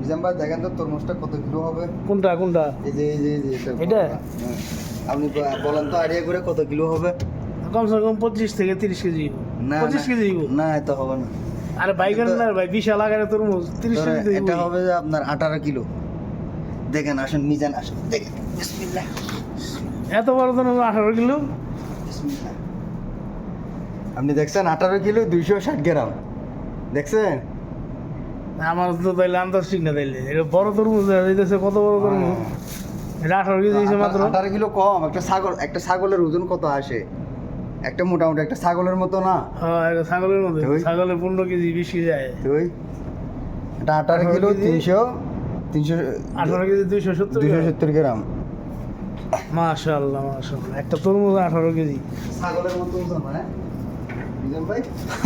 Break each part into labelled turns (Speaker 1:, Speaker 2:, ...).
Speaker 1: মিজান ভাই দেখেন তো তরমুজটা কত কিলো হবে?
Speaker 2: কোনটা কোনটা?
Speaker 1: এই যে
Speaker 2: এটা?
Speaker 1: হ্যাঁ। আপনি বলেন তো আইডিয়া করে কত কিলো হবে?
Speaker 2: কমসে কম 25 থেকে 30 কেজি।
Speaker 1: না
Speaker 2: 25 কেজি দিব।
Speaker 1: না এত হবে না।
Speaker 2: আরে বাইগান না ভাই, বিশাল আকারের তরমুজ 30
Speaker 1: ধরেন,
Speaker 2: কেজি দিব।
Speaker 1: এটা হবে যে আপনার 18 কিলো। দেখেন আসেন মিজান আসেন দেখেন বিসমিল্লাহ
Speaker 2: এত বড় তরমুজ 18 কিলো?
Speaker 1: বিসমিল্লাহ। আপনি দেখছেন 18 কিলো 260 গ্রাম দেখছেন?
Speaker 2: আমার তো তাইলে আন্দাজ ঠিক না তাইলে। এটা বড় তরমুজ দিতেছে, কত বড় তরমুজ? এটা 18 কেজি দিয়েছে মাত্র।
Speaker 1: 18 কিলো কম। একটা ছাগলের ওজন কত আসে? একটা মোটামুটি একটা ছাগলের মতো না?
Speaker 2: হ্যাঁ, এটা ছাগলের মতো।
Speaker 1: ওই।
Speaker 2: ছাগলের 15 কেজি 20 কেজি যায়।
Speaker 1: তুই এটা 18 কিলো 300
Speaker 2: 18 কেজি 270
Speaker 1: 270 গ্রাম।
Speaker 2: মাশাআল্লাহ মাশাআল্লাহ, একটা তরমুজ 18 কেজি।
Speaker 1: ছাগলের মতো ওজন হ্যাঁ মিজান ভাই?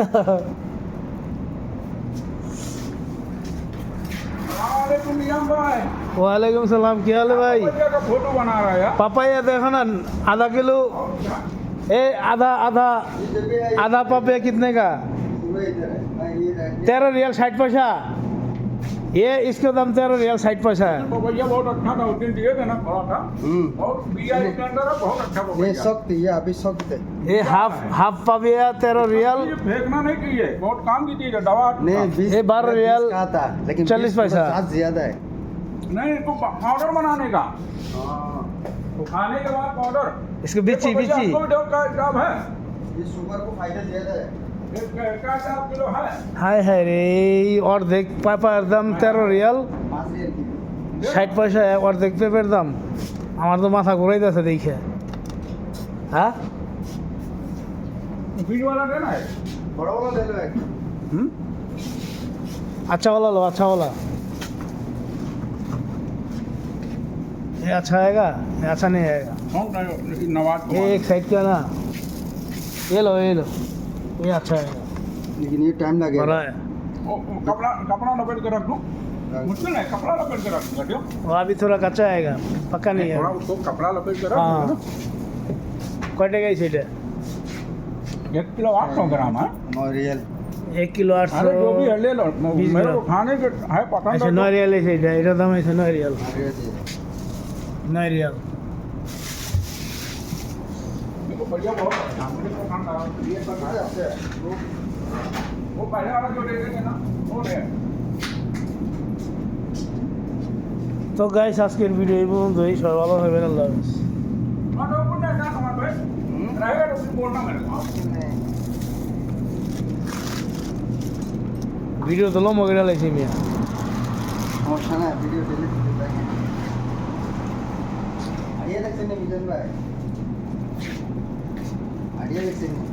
Speaker 2: वालेकुम सलाम, क्या हाल है भाई?
Speaker 3: का फोटो बना रहा है यार।
Speaker 2: पापाया देखो ना, आधा किलो। ए आधा आधा आधा पापाया कितने का? 13 रियल 60 पैसा। ये इसका दाम 13 रियल 60 पैसा है।
Speaker 3: पपैया बहुत अच्छा था, उस दिन दिए थे ना थोड़ा था। और बिया इसके अंदर है, बहुत अच्छा
Speaker 1: ये
Speaker 3: पपैया।
Speaker 1: सख्त ये अभी सख्त है।
Speaker 2: ये हाफ पापाया 13 रियल।
Speaker 3: ये फेंकना नहीं चाहिए, बहुत काम की चीज है, दवा।
Speaker 1: नहीं 20
Speaker 2: ये 12 रियल
Speaker 1: कहा था लेकिन
Speaker 2: 40 पैसा।
Speaker 1: 7 ज्यादा है।
Speaker 3: नहीं तो पाउडर बनाने का, तो खाने के बाद पाउडर।
Speaker 2: इसके बिची
Speaker 3: ये पपैया
Speaker 2: बिची।
Speaker 3: आपको भी डॉग का दाम है,
Speaker 1: ये शुगर को फायदा ज्यादा है।
Speaker 3: का 7 किलो है।
Speaker 2: हाय हाय रे, और देख পাপায়ার দাম 13 রিয়াল
Speaker 1: 5 रियल किलो।
Speaker 2: 60 পয়সা, আর দেখ পেঁপের দাম। আমার তো মাথা ঘুরাইতেছে দেখে। হ্যাঁ
Speaker 3: बीज वाला देना है।
Speaker 1: बड़ा वाला ले लो एक।
Speaker 2: अच्छा वाला लो, अच्छा वाला। ये अच्छा आएगा, ये अच्छा नहीं आएगा।
Speaker 3: कौन सा नवाज को
Speaker 2: ये एक साइड का ना, ये लो ये लो, ये अच्छा आएगा,
Speaker 1: लेकिन ये टाइम
Speaker 2: बड़ा
Speaker 1: लगेगा।
Speaker 2: है।
Speaker 3: कपड़ा कपड़ा लपेट के रख दूं, मुश्किल है, कपड़ा लपेट के रख दूंगा।
Speaker 2: वो अभी थोड़ा कच्चा आएगा, पक्का नहीं
Speaker 3: थोड़ा
Speaker 2: है।
Speaker 3: उसको कपड़ा लपेट के रख
Speaker 2: हाँ,
Speaker 3: दूंगा।
Speaker 2: कटे गई सीट है
Speaker 3: 1 किलो 800 ग्राम है।
Speaker 1: 9 रियल।
Speaker 2: 1 किलो
Speaker 3: अरे जो भी
Speaker 2: 800।
Speaker 3: है ले लो,
Speaker 2: 20
Speaker 3: मेरे को
Speaker 2: ग्राम।
Speaker 3: खाने के है पसंद
Speaker 2: अच्छा
Speaker 3: है
Speaker 2: 9
Speaker 3: तो।
Speaker 2: रियल है सीट है, এটা দাম আছে 9 रियल। 9 रियल।
Speaker 3: मेरे को बढ़िया बहुत अच्छा, मुझे पसंद आया। ये सब है। वो पहले वाला जो दे देंगे ना वो ले।
Speaker 2: তো গাইস, আজকের ভিডিও এই পর্যন্তই। সবাই ভালো থাকবেন, আল্লাহ হাফেজ।
Speaker 3: और तो कुछ नहीं ना समझ में रहेगा तो फिर बोलना मेरे को।
Speaker 2: ভিডিও তো লম্বা করে লাইছি মিয়া।
Speaker 1: সমস্যা না ভিডিও ডিলিট করে দেখেন। আইডিয়া দেখছেন না মিজান ভাই? আইডিয়া দেখছেন?